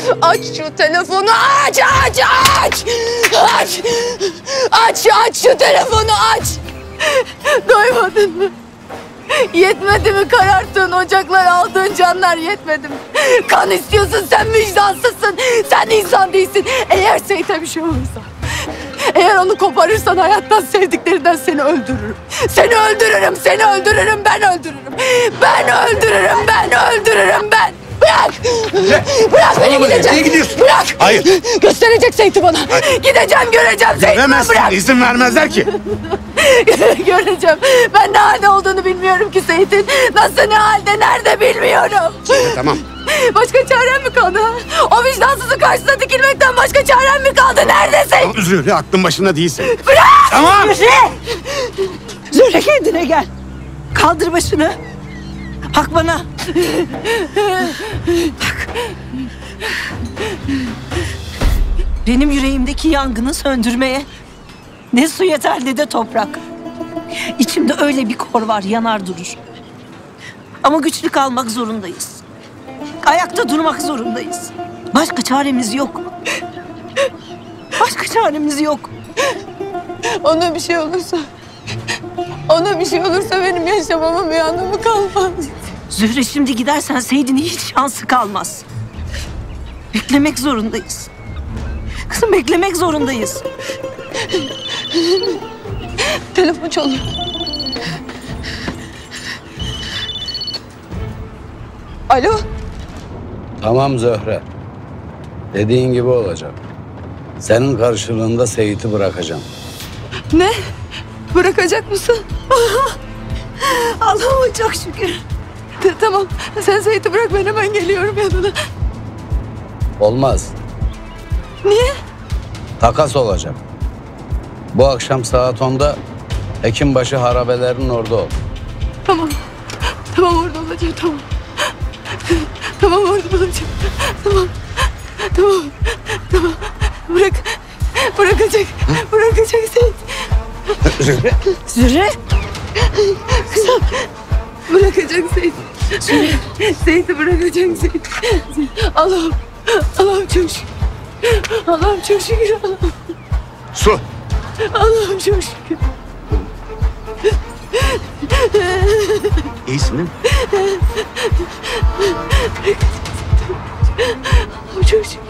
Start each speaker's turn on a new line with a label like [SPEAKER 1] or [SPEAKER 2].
[SPEAKER 1] Aç şu telefonu, aç! Aç şu telefonu, aç! Doymadın mı? Yetmedi mi kararttığın ocaklar, aldığın canlar yetmedi mi? Kan istiyorsun, sen vicdansızsın, sen insan değilsin. Eğer Seyit'e bir şey olursa, eğer onu koparırsan hayattan, sevdiklerinden seni öldürürüm. Seni öldürürüm, ben öldürürüm. Bırak! Bırak beni, gideceğim.
[SPEAKER 2] Nereye gidiyorsun?
[SPEAKER 1] Bırak!
[SPEAKER 2] Hayır.
[SPEAKER 1] Gösterecek Seyit'i bana. Hayır. Gideceğim, göreceğim Seyit'i.
[SPEAKER 2] Göremezsin,
[SPEAKER 1] Bırak!
[SPEAKER 2] izin vermezler ki.
[SPEAKER 1] Göreceğim. Ben ne halde olduğunu bilmiyorum ki Seyit'in. Nasıl, ne halde, nerede bilmiyorum.
[SPEAKER 2] Tamam.
[SPEAKER 1] Başka çarem mi kaldı? O vicdansızın karşısına dikilmekten başka çarem mi kaldı? Neredesin?
[SPEAKER 2] Zühre, aklın başında değilsin.
[SPEAKER 1] Bırak!
[SPEAKER 2] Tamam.
[SPEAKER 3] Zühre kendine gel. Kaldır başını. Bak bana. Bak. Benim yüreğimdeki yangını söndürmeye ne su yeter ne de toprak. İçimde öyle bir kor var, yanar durur. Ama güçlü kalmak zorundayız. Ayakta durmak zorundayız. Başka çaremiz yok. Başka çaremiz yok.
[SPEAKER 1] Ona bir şey olursa benim yaşamamın bir anlamı kalmaz.
[SPEAKER 3] Zühre, şimdi gidersen Seyit'in hiç şansı kalmaz. Beklemek zorundayız. Kızım, beklemek zorundayız.
[SPEAKER 1] Telefon çalıyor. Alo?
[SPEAKER 4] Tamam Zöhre. Dediğin gibi olacak. Senin karşılığında Seyit'i bırakacağım.
[SPEAKER 1] Ne? Bırakacak mısın?
[SPEAKER 3] Allah'ıma çok şükür.
[SPEAKER 1] Tamam. Sen Seyit'i bırak, ben hemen geliyorum yanına.
[SPEAKER 4] Olmaz.
[SPEAKER 1] Niye?
[SPEAKER 4] Takas olacak. Bu akşam saat 10'da Hekimbaşı harabelerinin orada ol.
[SPEAKER 1] Tamam. Tamam, orada olacağım, tamam. Tamam, orada olacağım. Tamam. Bırakacak Seyit.
[SPEAKER 2] Zühre.
[SPEAKER 3] Zühre.
[SPEAKER 1] Bırakacak Seyit. Seyit'i bırakacak Seyit. Allah'ım çok şükür. Allah'ım çok şükür.
[SPEAKER 2] Su.
[SPEAKER 1] Allah'ım çok şükür.
[SPEAKER 2] İyisin değil mi?
[SPEAKER 1] Allah'ım çok şükür.